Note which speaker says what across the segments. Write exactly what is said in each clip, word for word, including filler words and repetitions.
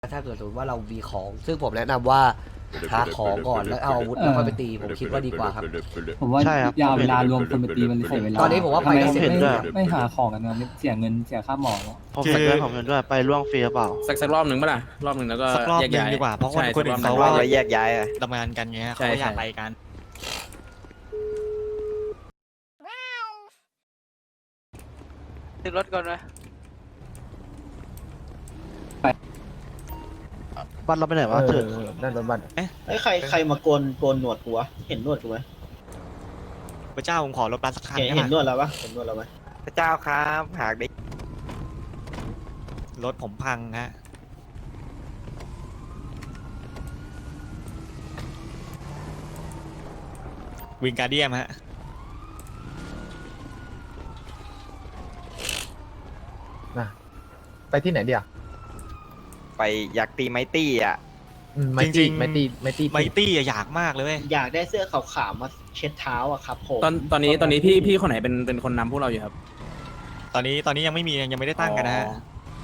Speaker 1: ถ้าเกิดสมมติว่าเรามีของซึ่งผมแนะนำว่าหาของก่อนแล้วเอาอาวุธแล้วค่อยไปตีผมคิดว่าดีกว่าครับ
Speaker 2: ผมว่า
Speaker 3: ใช่ครับ
Speaker 2: ยาวเวลารวมคนไปตีมันเสียเวลา
Speaker 1: ตอนนี้ผมว่าไป
Speaker 2: ทำไม
Speaker 1: ได้เสร็จ
Speaker 2: ไม่
Speaker 1: แล้ว
Speaker 2: ไม่หาของกันนะเสียเงินเสียค่าหมอ
Speaker 3: ผมเห็นด้วยผมเห็นด้วยไปล่วงฟรีหรือเปล่า
Speaker 4: สักสักรอบหนึ่งป่ะล่ะรอบหนึ่งแล้วก็
Speaker 5: สักรอบ
Speaker 4: แยก
Speaker 5: หนึ่ง
Speaker 4: ย้าย
Speaker 5: ดีกว่าเพราะคน
Speaker 4: ใช่
Speaker 5: คนอื่น
Speaker 4: สักร
Speaker 5: เขา
Speaker 4: อบห
Speaker 5: ว่า
Speaker 4: นึ่ง
Speaker 6: แยกย้ายอะ
Speaker 5: ทำงานกันไง
Speaker 4: ใช่
Speaker 5: เขาก็อยาก
Speaker 4: ใช่
Speaker 5: ไปกัน
Speaker 7: ติดรถก่อนไหม
Speaker 3: บัตรเราไปไหนวะเถิด
Speaker 6: นั่นรถบัส
Speaker 8: ไอ้ยใครใครมาโกนโกนหนวดกูวะเห็นหนวดกูไหม
Speaker 5: พระเจ้าผมขอรถบัสสักคัน
Speaker 8: เห็น
Speaker 5: ได้
Speaker 8: เห็น
Speaker 5: ปะ
Speaker 8: หนวดแล้วปะเห็นหนวดแล้วไหม
Speaker 6: พระเจ้าครับหากได้
Speaker 5: รถผมพังฮะวิงการเดียมฮะ
Speaker 9: ไปที่ไหนเดียว
Speaker 6: ไปอยากตีไมตี้อ่ะ
Speaker 9: ไมตี้ไมตี้ไมตี้
Speaker 5: ไมตี้อะอยากมากเลยเว้ย
Speaker 8: อยากได้เสื้อขาวๆมาเช็ดเท้าอะครับผม
Speaker 4: ตอนตอนนี้ตอนนี้พี่พี่คนไหนเป็นเป็นคนนำพวกเราอยู่ครับ
Speaker 5: ตอนนี้ตอนนี้ยังไม่มียังไม่ได้ตั้งกันนะฮะ
Speaker 4: อ๋อ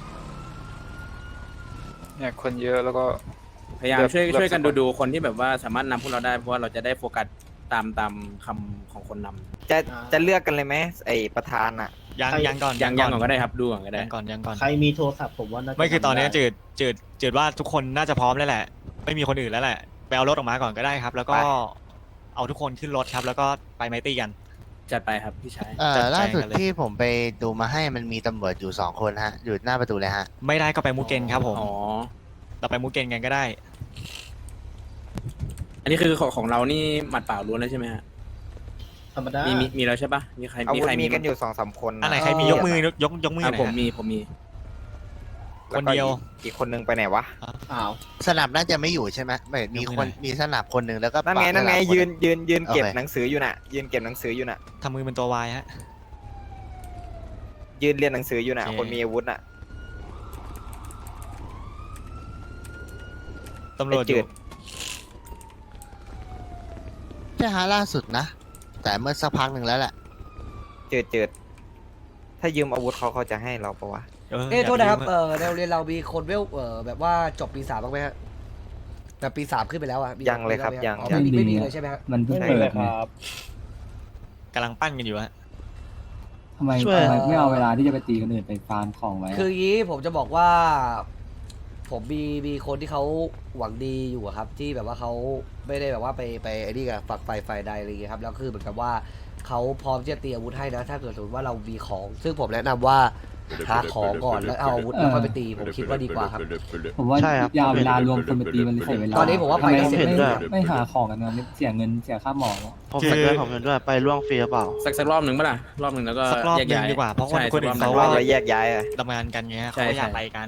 Speaker 7: เนี่ยคนเยอะแล้วก็
Speaker 4: พยายาม
Speaker 7: เลือก
Speaker 4: ช่วย
Speaker 7: เลือก
Speaker 4: ช่วยกัน
Speaker 7: สักคน
Speaker 4: ดูดูคนที่แบบว่าสามารถนำพวกเราได้เพราะว่าเราจะได้โฟกัสตามตามคำของคนนำ
Speaker 6: จะจะเลือกกันเลยไหมไอประธานอ่ะ
Speaker 5: ยังยังก่อน
Speaker 4: ยังยังก่อนก็ได้ครับดูก่อนก็ได้
Speaker 5: ยังก่อนยังก่อน
Speaker 8: ใครมีโทรศัพท์ผมว่าน่าจะ
Speaker 5: ไม่คือตอนนี้
Speaker 8: ทำด้
Speaker 5: จืดจืดจืดว่าทุกคนน่าจะพร้อมแล้วแหละ ไม่มีคนอื่นแล้วแหละไปเอารถออกมาก่อนก็ได้ครับ แล้วก็
Speaker 6: ไป
Speaker 5: เอาทุกคนขึ้นรถครับ แล้วก็ไปไมตี้กัน
Speaker 4: จัดไปครับพี่ชาย
Speaker 3: เอ่
Speaker 5: จั
Speaker 3: อ
Speaker 5: ดแจง
Speaker 3: ล่าสุด
Speaker 5: กันเลย
Speaker 3: ที่ผมไปดูมาให้มันมีตำรวจอยู่สองคนฮะอยู่หน้าประตูเลยฮะ
Speaker 5: ไม่ได้ก็ไปมูเกนครับผม
Speaker 4: อ๋อ
Speaker 5: เราไปมูเกนกันก็ได้
Speaker 4: อันนี้คือของของเรานี่หมัดเปล่าล้วนแล้วใช่ไหมฮะ
Speaker 8: ธรรมดา
Speaker 4: มีมีมีแล้วใช่ปะมีใคร
Speaker 6: อา
Speaker 4: มี
Speaker 6: วุธ
Speaker 4: ใคร
Speaker 6: มี
Speaker 4: มี
Speaker 6: กันอยู่สองสามคน
Speaker 5: อันไหนใครมียกมือยกยกยกมือห
Speaker 4: อ่ะ
Speaker 5: น่อย
Speaker 4: ผม
Speaker 5: ฮะ
Speaker 4: มีผมมี
Speaker 5: คนเดียว
Speaker 6: แล้ก็อีกอีกคนนึงไปไหนวะ
Speaker 8: อ้าว
Speaker 3: สนับน่าจะไม่อยู่ใช่ไหมไม่มีคนมีสนับคนหนึ่งแล้วก็
Speaker 6: นั่นไง
Speaker 3: ปาด
Speaker 6: นั่นไง
Speaker 3: สบค
Speaker 6: ยืนยืนยืนเก็บ
Speaker 3: โอเค
Speaker 6: หนังสืออยู่น่ะ ยืนเก็บหนังสืออยู่น่ะ
Speaker 5: ทำมือเป็นตัววายฮะ
Speaker 6: ยืนเรียนหนังสืออยู่น่ะ
Speaker 5: โอเค
Speaker 6: คนมีอาวุธน่ะ
Speaker 5: ตำรวจ
Speaker 6: ไอ้จื
Speaker 5: อยู่
Speaker 6: ด
Speaker 3: ใช่ฮะล่าสุดนะ แต่เมื่อสักพักหนึ่งแล้วแหละ
Speaker 6: เจิดเจิดถ้ายืมอาวุธเขาเขาจะให้เราปะวะ
Speaker 5: เออ
Speaker 1: เอ้ย
Speaker 5: ย่า
Speaker 1: โทษนะครับ
Speaker 5: ลืม
Speaker 1: เออในโรงเรียนเรามีคนเวลเออแบบว่าจบปีสามบ้างไหมฮะแบบปีสามขึ้นไปแล้วอ่ะมี
Speaker 6: ยังเลยครับ
Speaker 1: มีไหมฮะ
Speaker 6: ยัง
Speaker 1: อ๋อ
Speaker 6: ยัง
Speaker 1: ไม่มีไม่มีเลยใช่ไหมฮะ
Speaker 2: มันเพิ่ง
Speaker 6: ไม่
Speaker 2: เปิ
Speaker 6: มี
Speaker 2: ด
Speaker 6: เลย
Speaker 2: ไง
Speaker 5: กำลังปั้นกันอยู่ฮะ
Speaker 2: ทำไม
Speaker 3: ช่วย
Speaker 2: ทำไมไม่เอาเวลาที่จะไปตีคนอื่นไปฟาร์มของไว้อะ
Speaker 1: คืออย่างนี้ผมจะบอกว่า ผมมีมีคนที่เขาหวังดีอยู่อะครับ ที่แบบว่าเขาไม่ได้แบบว่าไปไปไอ้นี่กับฝักไฟไฟใดอะไรอย่างเงี้ยครับแล้วคือเหมือนกับว่าเขาพร้อมที่จะตีอาวุธให้นะ ถ้าเกิดสมมติว่าเรามีของ ซึ่งผมแนะนำว่าหาของก่อนแล้วเอาอาวุธแล้วค่อยไปตีผมคิดว่าดีกว่าครับ
Speaker 2: ผมว่า
Speaker 3: ใช่ครับ
Speaker 2: ยาวเวลารวมคนไปตีมันเสียเวลา
Speaker 1: ตอนนี้ผมว่าไป
Speaker 2: ทำไม
Speaker 1: ได้เสร็จ
Speaker 2: ไม่
Speaker 3: แล้ว
Speaker 2: ไม่หาของกันนะเสียเงินเสียค่าหมอ
Speaker 3: ผมเห็นด้วยผมเห็นด้วยไปล่วงฟรีหรือเปล่า
Speaker 4: สักสักรอบหนึ่งป่ะล่ะรอบหนึ่งแล้วก็
Speaker 5: สักรอบ
Speaker 4: แยก
Speaker 5: หนึ่ง
Speaker 4: ย้าย
Speaker 5: ดีกว่าเพราะคน
Speaker 4: ใช่
Speaker 5: คนอื่น
Speaker 4: สักร
Speaker 5: เขา
Speaker 4: บห
Speaker 5: ว่า
Speaker 4: ง
Speaker 6: เราแยกย้ายอะ
Speaker 5: ทำงานกันไง
Speaker 4: ใช่
Speaker 5: เขาก็อยาก
Speaker 4: ใช่
Speaker 5: ไปกัน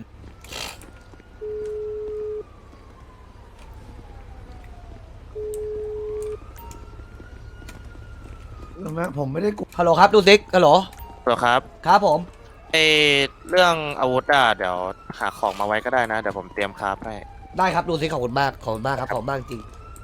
Speaker 9: ผมไม่ได้ก
Speaker 1: ฮัลโหลครับดูซิกฮัลโหล
Speaker 10: เหรอครับ
Speaker 1: ครับผม
Speaker 10: เออเรื่องอาวุธอ่ะเดี๋ยวหาของมาไว้ก็ได้นะ เดี๋ยวผมเตรียมคราฟให้
Speaker 1: ได้ครับดูซิกขอบคุณมากขอบคุณมากครับขอบคุณมากจริง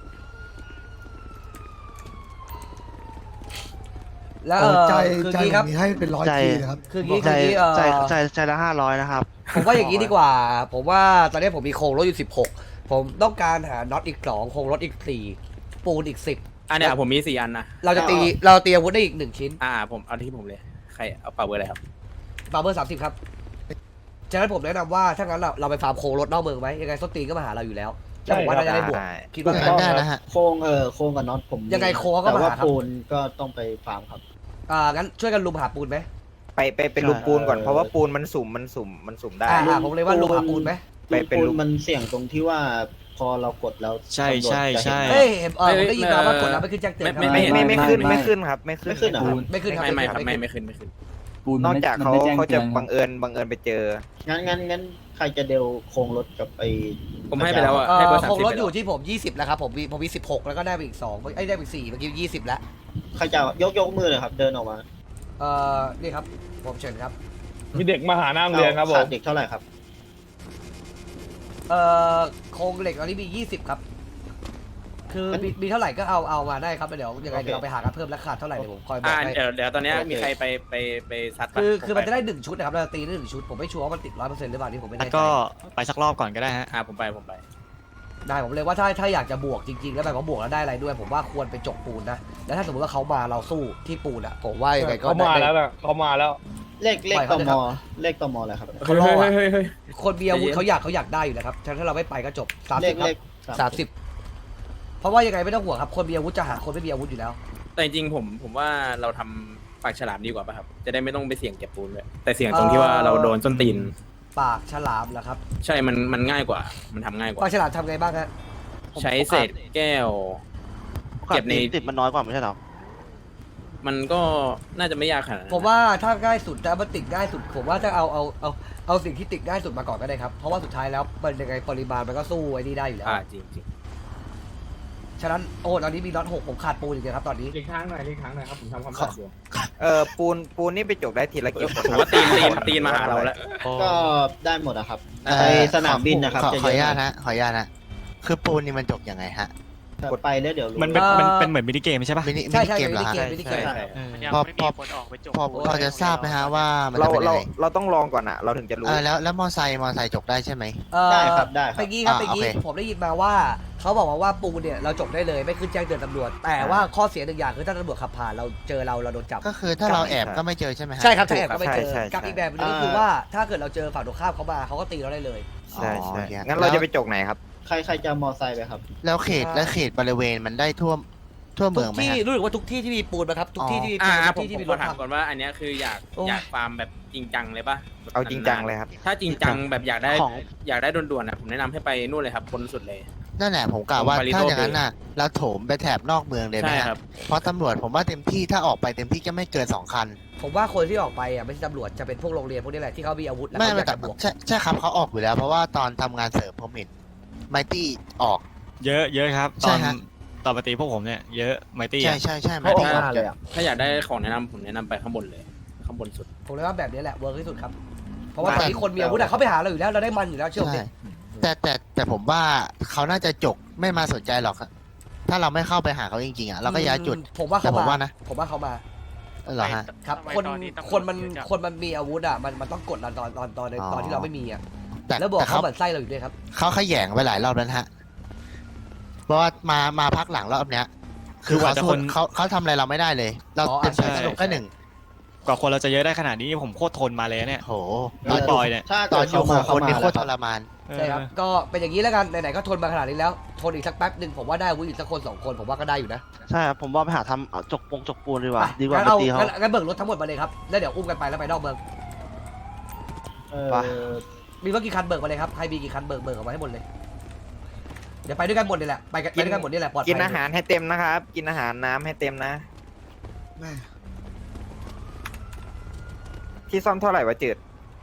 Speaker 1: แล้วเออ
Speaker 9: ใจ
Speaker 1: คือ
Speaker 9: ใจ
Speaker 1: งี้ครับ
Speaker 9: มีให้เป็นร้อย
Speaker 3: ใจ
Speaker 9: ทีนะครับ
Speaker 1: คืองี้
Speaker 3: ใจ
Speaker 1: คืองี้เออ
Speaker 3: ใจใจใจละห้าร้อยนะครับ
Speaker 1: ผมว่าอย่างนี้ดีกว่า ผมว่าตอนนี้ผมมีโครงรถอยู่สิบหกผมต้องการหาน็อตอีกสองโครงรถอีกสี่ปูนอีกสิบ
Speaker 4: อันเนี้ยผมมีสี่อันนะ
Speaker 1: เราจะตีเราตีอาวุธได้อีกหนึ่งชิ้น
Speaker 4: อ่าผมเอาที่ผมเลยใครเอาเป่าเบอร์อะไรครับ
Speaker 1: บาร์เบอร์สามสิบครับฉะนั้นผมแนะนำว่าถ้างั้นเราเราไปฟาร์มโครงรถนอกเมืองไหมยังไงส้นตีนก็มาหาเราอยู่แล้วแล้วผมว่าน่าจะได้บวก
Speaker 6: ได้
Speaker 1: คิด
Speaker 3: ก็
Speaker 1: ว่าไง
Speaker 3: งั้นได้นะฮะ
Speaker 8: โครงเออโครงกับน็อตผม
Speaker 1: ยังไงโครงก็
Speaker 8: แต่
Speaker 1: มา
Speaker 8: ว่า
Speaker 1: หาครับ
Speaker 8: ปูนก็ต้องไปฟาร์มครับ
Speaker 1: อ่างั้นช่วยกันลุมหาปูนไหม
Speaker 6: ไปไปเป็นลูกปูนก่อนเพราะว่าปูนมันสุ่มมันสุ่มมันสุ่มได้
Speaker 1: อ่าอ่าผมเลยว่าลุมหาปูนไหม
Speaker 6: ไปเป็น
Speaker 8: ปูน
Speaker 6: ลูก
Speaker 8: มันเสี่ยงตรงที่ว่าพอเรากดแล้ว
Speaker 5: ใช่
Speaker 8: ตำรวจ
Speaker 5: ใช่
Speaker 8: จะเห็น
Speaker 5: ใช่
Speaker 1: เฮ้ยเห็นเออผมได้ยินมาว่ากดแล้วไม่ขึ้นแจ้งเตือนครับ
Speaker 6: ไม่ไม่ไม่ขึ้นไม่ขึ้นครับไม่ขึ้น
Speaker 8: ไม่ขึ้นเหรอครับ
Speaker 1: ไม่ขึ้นครับ
Speaker 4: ไม่ไม่ครับ
Speaker 1: ไม่
Speaker 4: ไม่
Speaker 1: ขึ้น
Speaker 4: ไม่ขึ้นไม่ขึ้น
Speaker 2: ปูน
Speaker 6: น
Speaker 2: มั
Speaker 6: อก
Speaker 2: ไม่
Speaker 6: จาก
Speaker 2: มัน
Speaker 6: เขา
Speaker 2: ไม่แจ้ง
Speaker 6: เขา
Speaker 2: เตื
Speaker 6: จะ
Speaker 2: อน
Speaker 6: บังเอิญบังเอิญไปเจอ
Speaker 8: งั้นงั้นงั้นใครจะเดลโครงรถกับไอ้
Speaker 4: ผมให้ไปแล้วอะ
Speaker 1: เอ
Speaker 4: ให้เบอ
Speaker 1: อ
Speaker 4: ร์สาม
Speaker 1: โครง
Speaker 4: สิบ
Speaker 1: รถ
Speaker 4: ไป
Speaker 1: อ
Speaker 4: แล้ว
Speaker 1: ยู่ที่ผมยี่สิบแล้วครับผมมีผมมีสิบหกแล้วก็ได้ไปอีกสองไอ้ยได้ไปอีกสี่เมื่อกี้ยี่สิบแล้ว
Speaker 8: ใครจะยกยกมือเลยครับ เดินออกมา
Speaker 1: เอ่อนี่ครับผมเชิญครับ
Speaker 7: มีเด็กมาหาหน้าโรงเรียนครับผ
Speaker 8: ขาม ดเด็กเท่าไหร่ครับ
Speaker 1: เอ่อโครงเหล็กตอนนี้มียี่สิบครับ คคือมีมีเท่าไหร่ก็เอาเอามาได้ครับแล้วเดี๋ยวยังไงเดี๋ยวเราไปหากันเพิ่มแล้วขาดเท่าไหร่เดี๋ยวผมคอยบอ
Speaker 4: อ่าก
Speaker 1: ให้
Speaker 4: เดี๋ยวเดี๋ยวตอนเนี้ยมีใครไปไปไปซัดปะ
Speaker 1: คือคือมัน
Speaker 4: ผ
Speaker 1: จะ
Speaker 4: ไป
Speaker 1: ได้หนึ่งชุดนะครับเราจะตีได้หนึ่งชุดผมไม่ชัวร์ว่ามันติดร้อยเปอร์เซ็นต์หรือเปล่านี่ผมไม่
Speaker 5: งั้
Speaker 1: แน่
Speaker 5: น
Speaker 1: ใจ
Speaker 5: ก็ไปสักรอบก่อนก็ได้ฮะ
Speaker 4: อ่าผมไปผมไป
Speaker 1: ได้ผมเลยว่าถ้าถ้าอยากจะบวกจริงๆ แล้วแบบว่าบวกแล้วได้อะไรด้วย ผมว่าควรไปจกปูนนะแล้วถ้าสมมติว่าเขามาเราสู้ที่ปูนอะผมว่ายังไงก็
Speaker 7: เขามา
Speaker 1: ได้
Speaker 7: แล้วนะเขามาแล้ว
Speaker 8: เลขเลข
Speaker 1: ปล่อย
Speaker 8: ต
Speaker 1: เขาเถอะครั
Speaker 8: ม
Speaker 1: บ
Speaker 8: เลขตมอะไรครับ
Speaker 1: เขารออะ
Speaker 4: เฮ้ยเฮ้ย
Speaker 1: คนมีอาวุธ
Speaker 4: ใจเย็น
Speaker 1: เขาอยากเขาอยากได้อยู่แล้วครับถ้าเราไม่ไปก็จบสาม
Speaker 8: เล
Speaker 1: สิ
Speaker 8: ข
Speaker 1: บครั
Speaker 8: เล
Speaker 1: บ
Speaker 8: ข
Speaker 1: สามสิบเพราะว่ายังไงไม่ต้องห่วงครับคนมีอาวุธจะหาคนไม่มีอาวุธอยู่แล้ว
Speaker 4: แต่จริงๆผมผมว่าเราทำปากฉลามดีกว่าป่ะครับ จะได้ไม่ต้องไปเสี่ยงเก็บปูนเลยแต่เสี่ยงตรงที่ว่าเราโดนส้นตีน
Speaker 1: ปากฉลามเหรอครับ
Speaker 4: ใช่มันมันง่ายกว่า มันทำง่ายกว่า
Speaker 1: ปากฉลามทำไงบ้างฮะ
Speaker 4: ใช้เศษแก้ว เก็บใน
Speaker 10: ติดมันน้อยกว่าไม่ใช่หรอ
Speaker 4: มันก็น่าจะไม่ยากขนาดนั้น
Speaker 1: ผมว่าถ้าง่ายสุดถ้ามันติดง่ายสุด ผมว่าจะเอาเอาเอาเอาสิ่งที่ติดง่ายสุดมาก่อนก็ได้ครับเพราะว่าสุดท้ายแล้วมันยังไงปริมาณมันก็สู้ไอ้นี่ได้อยู่แล้ว
Speaker 4: อ่าจริงจริง
Speaker 1: ฉะนั้นโอ้ตอนนี้มีน็อตหกผมขาดปูนอีกเลยครับตอนนี้
Speaker 7: เลีกทางหน่อยเลีกทางหน่อยครับผมทำความสะอาดอยู่
Speaker 6: เออปูนปูนนี่ไปจกได้ทีละกี่คน
Speaker 4: ผมว่าตีนตีนตีนมาหาเราแล้ว
Speaker 8: ก็ได้หมดอะครับ
Speaker 3: เอ่อ
Speaker 8: ไปสนามบินนะครับ
Speaker 3: ขอ
Speaker 8: จะ
Speaker 3: ขออนุ
Speaker 8: เย
Speaker 3: ญาต
Speaker 8: อะหน่
Speaker 3: นะขออนุญาตนะคือปูนนี่มันจบยังไงฮะ
Speaker 8: อยไปแล้วเดี๋ยวรู้
Speaker 5: มันเป็นมันเป็นเหมือนมินิเกมใช่ปะ
Speaker 3: มินิมิ
Speaker 1: ใช่
Speaker 3: นิ
Speaker 1: ใช่
Speaker 3: เกมเหรอ
Speaker 1: มินิ
Speaker 3: ฮะ
Speaker 1: เกมมินิเกม
Speaker 4: ใช่
Speaker 5: เออ
Speaker 3: พอพอพอพอจะทราบไหมฮะว่ามัน
Speaker 6: เรา
Speaker 3: จะเป็นยั
Speaker 6: เรา
Speaker 3: งไง
Speaker 6: เราต้องลองก่อนอะเราถึงจะรู้
Speaker 3: เออแล้วแล้วมอไซค์มอไซค์จบได้ใช่ไหม
Speaker 1: เอ่อ
Speaker 8: ได้ครับได้ครับ
Speaker 1: ไปกี้ครับ
Speaker 3: อ่า
Speaker 1: ไปกี้
Speaker 3: โอเค
Speaker 1: ผมได้ยินมาว่าเขาบอกมาว่าปูนเนี่ยเราจบได้เลยไม่ขึ้นแจ้งเตือนตำรวจ แต่ว่าข้อเสียหนึ่งอย่างคือถ้าตำรวจขับผ่านเราเจอเราเราโดนจับ
Speaker 3: ก็คือถ้าเราแอบก็ไม่เจอใช่ไหมฮะ
Speaker 1: ใช่ครับถ้าแอบก็ไม่เจอ
Speaker 6: ใช่ใช่
Speaker 1: กับ
Speaker 6: ใช่
Speaker 1: อีกแบบหนึงก็คือว่าถ้าเกิดเราเจอฝั่งตรงข้ามเขามาเขาก็ตีเราได้เลย
Speaker 6: ใช่ใช่
Speaker 3: อ๋อโอเค
Speaker 6: งั้นเราจะไปจกไหนครับ
Speaker 8: ใครใครจะมอไซค์ไปครับ
Speaker 3: แล้วเขตแล้วเขตบริเวณมันได้ทั่วทั่ว
Speaker 1: ทุ
Speaker 3: เมือก งไหม
Speaker 1: ที่
Speaker 3: ฮะ
Speaker 1: รู้สึกว่าทุกที่ที่มีปูนนะครับทุกที่ที่มี
Speaker 4: อ่า
Speaker 1: ปูน
Speaker 4: ผ
Speaker 1: ทุก
Speaker 4: ม
Speaker 1: ที่
Speaker 4: ผม
Speaker 1: ที่มีรถ
Speaker 4: ขอถาม
Speaker 1: ถัง
Speaker 4: ก่อนว่าอันเนี้ยคืออยาก
Speaker 1: โอ้
Speaker 4: อยากฟาร์มแบบจริงจังเลยป่ะ
Speaker 6: เอาจริงจังเลยครับ
Speaker 4: ถ้าจริงจังแบบอยากได้
Speaker 10: ของ
Speaker 4: อยากได้ด่วนๆนะผมแนะนำให้ไปนู่นเลยครับบนสุดเลย
Speaker 3: นั่นแหละผมกล่าวว่า
Speaker 4: ผมไป
Speaker 3: ถ้า
Speaker 4: Little
Speaker 3: อย่างนั้นน่ะเราโถมไปแถบนอกเมืองเลยไหม
Speaker 4: ใช่
Speaker 3: ฮะ
Speaker 4: ครับ
Speaker 3: เพราะตำรวจผมว่าเต็มที่ถ้าออกไปเต็มที่ก็ไม่เกินสองคัน
Speaker 1: ผมว่าคนที่ออกไปอ่ะไม่ใช่ตำรวจจะเป็นพวกโรงเรียนพวกนี้แหละที่เขามีอาวุธแล้ว
Speaker 3: ไม่
Speaker 1: เขาอ
Speaker 3: ไม่
Speaker 1: ยาก
Speaker 3: แต่
Speaker 1: จะบวก
Speaker 3: ใช่ใช่ครับเขาออกอยู่แล้ว เพราะว่าตอนทำงานเสริมผมเห็นไมตี้ออก
Speaker 5: เยอะเยอะครับ
Speaker 3: ใช่
Speaker 5: ตอน
Speaker 3: ฮะ
Speaker 5: ตอนปฏิพวกผมเนี่ยเยอะไมตี้
Speaker 3: ใช่ใช่ใช่ไม
Speaker 8: เขาออ
Speaker 3: ตี้
Speaker 8: ก
Speaker 3: ออก
Speaker 8: มาเลยอะ
Speaker 4: ถ้าอยากได้ของแนะนำผมแนะนำไปข้างบนเลย ข้างบนสุด
Speaker 1: ผมเลยว่าแบบนี้แหละเวิร์กที่สุดครับเพราะว่าตอนนี้คนมีอาวุธอ่ะเขาไปหาเราอยู่แล้วเราได้มันอยู่แล้วเชื่อผมดิ
Speaker 3: ใช่แต่แต่แต่ผมว่าเขาน่าจะจกไม่มาสนใจหรอกครับถ้าเราไม่เข้าไปหาเขาจริงๆอ่ะเราก็ย้ายจุด
Speaker 1: ผมว่า
Speaker 3: แต่
Speaker 1: เขา
Speaker 3: ผม
Speaker 1: มา
Speaker 3: ว่านะ
Speaker 1: ผมว่าเขามา
Speaker 3: เหรอฮะ
Speaker 1: ครับคนคนมันคนมันมีอาวุธอ่ะมันมันต้องกดเราตอนตอนตอนใน
Speaker 3: อ๋อ
Speaker 1: ตอนที่เราไม่มีอ่ะ
Speaker 3: แต่
Speaker 1: แล้วบอก
Speaker 3: แต่
Speaker 1: เขา
Speaker 3: เขา
Speaker 1: เหมือนไส้เราอยู่ด้วยครับ
Speaker 3: เขาขยแยงไปหลายรอบแล้วนะฮะเพราะว่ามามาพักหลังรอบเนี้ย คือเขาสู้เขาเขาทำอะไรเราไม่ได้เลย เรา
Speaker 1: อ๋อ
Speaker 3: เต็ม
Speaker 1: ใช่
Speaker 3: ที่สนุกแค่หนึ่ง
Speaker 5: กว่าคนเราจะเยอะได้ขนาดนี้ผมโคตรทนมาเลยเนี่ย
Speaker 3: โห
Speaker 5: ตอนบอยเนี่ย
Speaker 8: ถ้า
Speaker 3: ตอ
Speaker 8: เกิ
Speaker 3: น
Speaker 8: ด
Speaker 3: อยู่
Speaker 8: เขา
Speaker 3: โค
Speaker 8: มา
Speaker 3: คนนี่
Speaker 8: เขา
Speaker 3: โค
Speaker 8: มา
Speaker 3: ตรทรมาน
Speaker 1: ใช่ครับก็เป็นอย่างนี้แล้วกันไหนๆก็ทนมาขนาดนี้แล้วทนอีกสักแป๊บหนึ่งผมว่าได้อาวุธอีกสักคนสองคนผมว่าก็ได้อยู่นะ
Speaker 10: ใช่ครับผมว่าไปหาทำเอาจกปงจกปูนดีกว่า
Speaker 1: ไป
Speaker 10: ดีกว่า
Speaker 1: งั้น
Speaker 10: ไป
Speaker 1: เอา
Speaker 10: ตีเขา
Speaker 1: งั้นงั้นเบิกรถทั้งหมดมาเลยครับแล้วเดี๋ยวอุ้มกันไปแล้วไปนอกเมือง
Speaker 8: เอ
Speaker 10: ไป
Speaker 8: อ
Speaker 1: มีรถกี่คันเบิกมาเลยครับใครมีกี่คันเบิกเบิกออกมาให้หมดเลยเดี๋ยวไปด้วยกันหมดนี่แหละไปกันไปด้วยกันหมดนี่แหละปลอดภัย
Speaker 6: กินอาหารให้เต็มนะครับ กินอาหารน้ำให้เต็มนะ ที่ซ่อมเท่าไหร่วะจืด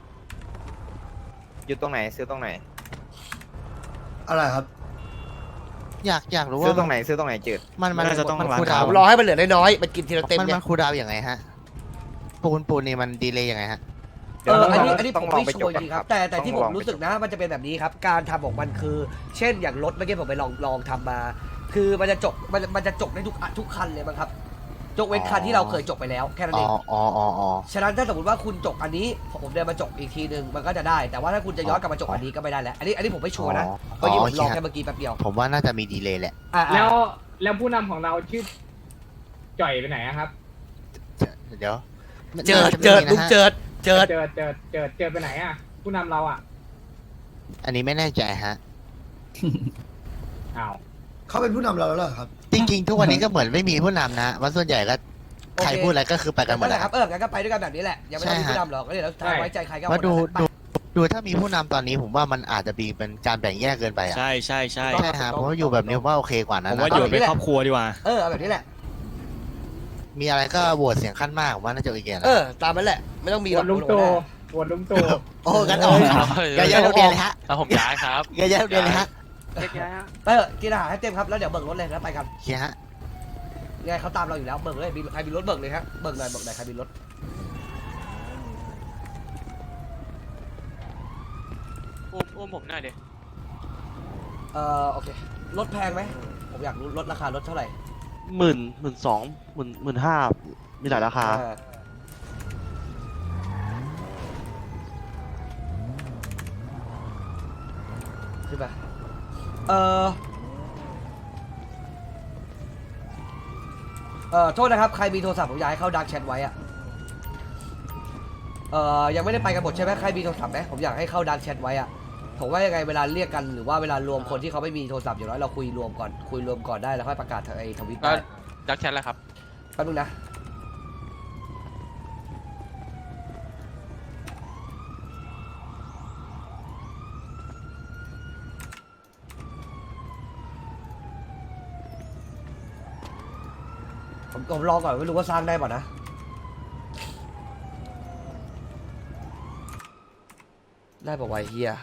Speaker 6: อยู่ตรงไหนซื้อตรงไหน
Speaker 9: อะไรครับ
Speaker 3: อยากอยากรู้
Speaker 6: ซื้อ
Speaker 3: ว่า
Speaker 6: ตรงไหนซื้อตรงไหนจืด
Speaker 3: มันมัน
Speaker 5: น่าจะต้อง
Speaker 3: มัน
Speaker 5: ร้าน
Speaker 3: คูลดาว
Speaker 1: ผ
Speaker 3: น์
Speaker 1: มรอให้มันเหลือน้อยๆมันกินทีละเต็ม
Speaker 3: มัน
Speaker 1: เนี่
Speaker 3: มั
Speaker 1: ย
Speaker 3: นคูลดาวน์ยังไงฮะปูนปูนนี่มันดีเลยยังไงฮะ
Speaker 1: เอออันนี้อันนี้
Speaker 6: ต้
Speaker 1: ผ
Speaker 6: อง
Speaker 1: ม
Speaker 6: ลอง
Speaker 1: ไม่
Speaker 6: ไป
Speaker 1: ชั
Speaker 6: จ
Speaker 1: ว
Speaker 6: ก
Speaker 1: ร์จ
Speaker 6: ก่อน
Speaker 1: ริงๆ
Speaker 6: ค
Speaker 1: ค
Speaker 6: รั
Speaker 1: รับ บแต่แต่ที่
Speaker 6: ต้
Speaker 1: ผ
Speaker 6: องล
Speaker 1: ม
Speaker 6: อง
Speaker 1: รู้สึกนะมันจะเป็นแบบนี้ครับการทำของมันคือ เช่นอย่างรถเมื่อกี้ผมไปลองลองทำมา คือมันจะจบมันมันจะจบได้ทุกทุกคันเลยมั้งครับจกเว้นคันที่เราเคยจบไปแล้วแค่นั้น
Speaker 3: อ๋
Speaker 1: เอ
Speaker 3: อง อ๋ออ๋ออ๋อ
Speaker 1: ฉะนั้นถ้าสมมติว่าคุณจบอันนี้ผมเดินมาจบอีกทีหนึ่งมันก็จะได้ แต่ว่าถ้าคุณจะย้อนกลับมาจบอันนี้ก็ไม่ได้แล้วอันนี้อันนี้ผมไม่ชัวร์นะ
Speaker 3: อ๋อ
Speaker 1: เมื่อกี้ผมลอง
Speaker 3: โอเค
Speaker 1: แค่เมื่อกี้แป๊บเดียว
Speaker 3: ผมว่าน่าจะมีดีเลยแหละ
Speaker 1: อ่า
Speaker 7: แล้วแล้วผู้นำของเราชื่อจ่อยไปไหนอะครับ
Speaker 3: เดี๋ยว
Speaker 1: เจิดเจิดลุงเจิดเจิด
Speaker 7: เจอเจอเจอเจอไปไหนอะผู้นำเราอะ
Speaker 3: อันนี้ไม่แน่ใจฮะ
Speaker 7: อ้าว
Speaker 9: เขาเป็นผู้นำเราแล้วเหรอครับ
Speaker 3: จริงๆ ทุกวันนี้ก็เหมือนไม่มีผู้นำนะวันส่วนใหญ่ก็ใครพูดอะไรก็คือไปกันหมด
Speaker 1: นั่นแห
Speaker 3: นะ
Speaker 1: ละครับเอองั้นก็ไปด้วยกันแบบนี้แหละยังไม่ต้องมีผู้นำหรอกก็เดี๋ยวสุดท้ายไว้ใจใครก็
Speaker 3: ว่าดู
Speaker 1: คนนั้น
Speaker 3: ดูดูถ้ามีผู้นำตอนนี้ผมว่ามันอาจจะมีเป็นการแบ่งแยกเกินไปอ่ะ
Speaker 5: ใช่ใช่ใช่
Speaker 3: ใช่ฮะผมว่าอยู่แบบนี้ผมว่าโอเคกว่า
Speaker 5: ผ
Speaker 3: นะ
Speaker 5: มว่าอยู่เป็นครอบครัวดีกว่า
Speaker 1: เออเอาแบบนี้แหละ
Speaker 3: มีอะไรก็โหวตเสียงขั้นมากผมว่าน่าจะโอเคนะ
Speaker 1: เออตามนั้นแหละไม่ต้องมี
Speaker 7: โห
Speaker 1: หร
Speaker 7: ว
Speaker 1: อก
Speaker 7: ตลุงตู่โหวตลุงตู่
Speaker 3: โอ้กันออกอย่าย้ายโรงเรียนเลยฮะ
Speaker 10: แล้วผมย้ายครับ
Speaker 3: อย่าย้ายโรงเรียนเลยฮะ
Speaker 1: เออกินอาหารให้เต็มครับแล้วเดี๋ยวเบิกรถเลยแล้วไปกัน
Speaker 3: โอเคฮะ
Speaker 1: ยังไงเขาตามเราอยู่แล้วเบิกเลยมีใครมีรถเบิกเลยฮะเบิกหน่อยเบิกหน่อยใครมีรถ
Speaker 10: อุ้มอุ้มผมหน่อยดิ
Speaker 1: เอ่อโอเครถแพงไหมผมอยากรู้รถราคารถเท่าไหร่
Speaker 10: หมื่นหมื่นสองหมื่นหมื่นห้ามีหลายราคา
Speaker 1: อ่าขึ้นไปเอ่อเอ่อโทษนะครับใครมีโทรศัพท์ผมอยากให้เข้าดักแชทไว้อะเอ่อยังไม่ได้ไปกันหมดใช่ไหมใครมีโทรศัพท์ไหมผมอยากให้เข้าดักแชทไว้อะผมว่ายังไงเวลาเรียกกันหรือว่าเวลารวมคนที่เขาไม่มีโทรศัพท์อย่างน้อยเราคุยรวมก่อนคุยรวมก่อนได้แล้วค่อยประกาศทางไอ้ทวิต
Speaker 4: ก็
Speaker 1: ได้
Speaker 4: ดักแชทแล้วครับ
Speaker 1: แป๊บนึงนะผมผมลองก่อนไม่รู้ว่าสร้างได้ป่ะนะได้ป่ะวะเฮีย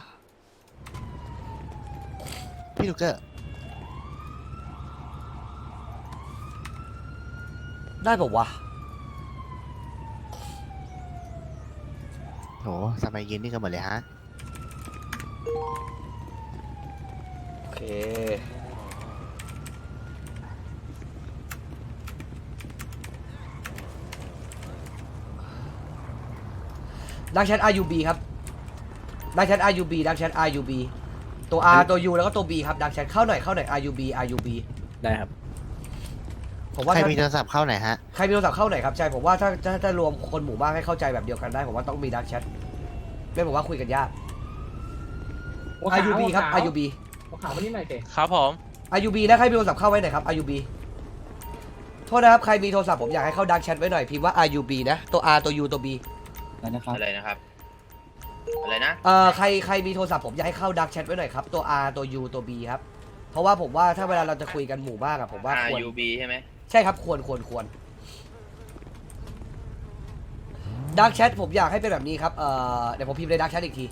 Speaker 3: พี่ลูกเกอร์
Speaker 1: ได้ป่ะวะ
Speaker 3: โหทำไมยืนนี่กันหมดเลยฮะ
Speaker 1: โอเคดักแชท อาร์ ยู บี ครับดักแชท อาร์ ยู บี ดักแชท อาร์ ยู บี ตัว R ตัว U แล้วก็ตัว B ครับดักแชทเข้าหน่อยเข้าหน่อย อาร์ ยู บี อาร์ ยู บี
Speaker 4: ได้ครับ
Speaker 1: ผมว่า
Speaker 3: ใคร
Speaker 1: ถ้า
Speaker 3: มีโทรศัพท์เข้าไหนฮะ
Speaker 1: ใครมีโทรศัพท์เข้าหน่อยครับใช่ผมว่าถ้าถ้าถ้ารวมคนหมู่บ้านให้เข้าใจแบบเดียวกันได้ผมว่าต้องมีดักแชทไม่ผมว่าคุยกันยาก
Speaker 7: หัวขาว
Speaker 1: อาร์ ยู บี ครับ
Speaker 7: หัวขาว
Speaker 1: อาร์ ยู บี
Speaker 7: หัวขาวมานี่หน่อยเตะ
Speaker 4: ครับผม
Speaker 1: อาร์ ยู บี นะใครมีโทรศัพท์เข้าไว้หน่อยครับ อาร์ ยู บี โทษนะครับใครมีโทรศัพท์ผมอยากให้เข้าดักแชทไว้หน่อยพิมพ์ว่า อาร์ ยู บี นะตัว R ตัว U ตัว B
Speaker 2: แล้วนะครับ
Speaker 6: อะไรนะครับ อะไรนะ
Speaker 1: เอ่อใครใครมีโทรศัพท์ผมอยากให้เข้าดักแชทไว้หน่อยครับตัว R ตัว U ตัว B ครับเพราะว่าผมว่าถ้าเวลาเราจะคุยกันหมู่บ้านอะผมว่าควร
Speaker 6: อาร์ ยู บี ใช่ไหม
Speaker 1: ใช่ครับควรควรควรดักแชทผมอยากให้เป็นแบบนี้ครับเอ่อเดี๋ยวผมพิมพ์ในดักแชทอีกที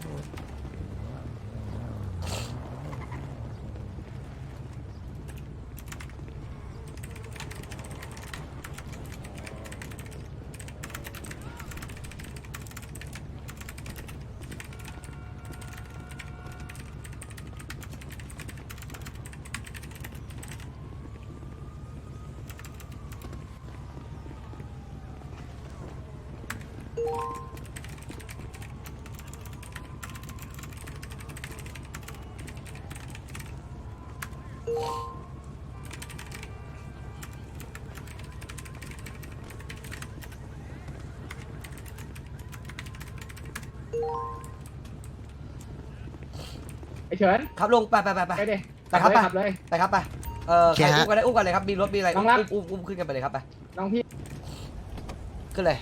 Speaker 7: ไอ้เฉิน
Speaker 1: ครับลุงไปไปไปไป
Speaker 7: ไปดิ
Speaker 1: ไปครับไป
Speaker 7: ขับเลย
Speaker 1: ไปครับไปเอ่อ
Speaker 3: โอ
Speaker 1: ใค
Speaker 3: เค
Speaker 1: ร
Speaker 3: ฮะ
Speaker 1: อุ้มกันได้อุ้มกันเลยครับมีรถมีอะไร
Speaker 7: น้
Speaker 1: อุ้
Speaker 7: อง
Speaker 1: ม
Speaker 7: รัก
Speaker 1: อุ้มอุ้มขึ้นกันไปเลยครับไป
Speaker 7: น้องพี่
Speaker 1: ขึ้นเลย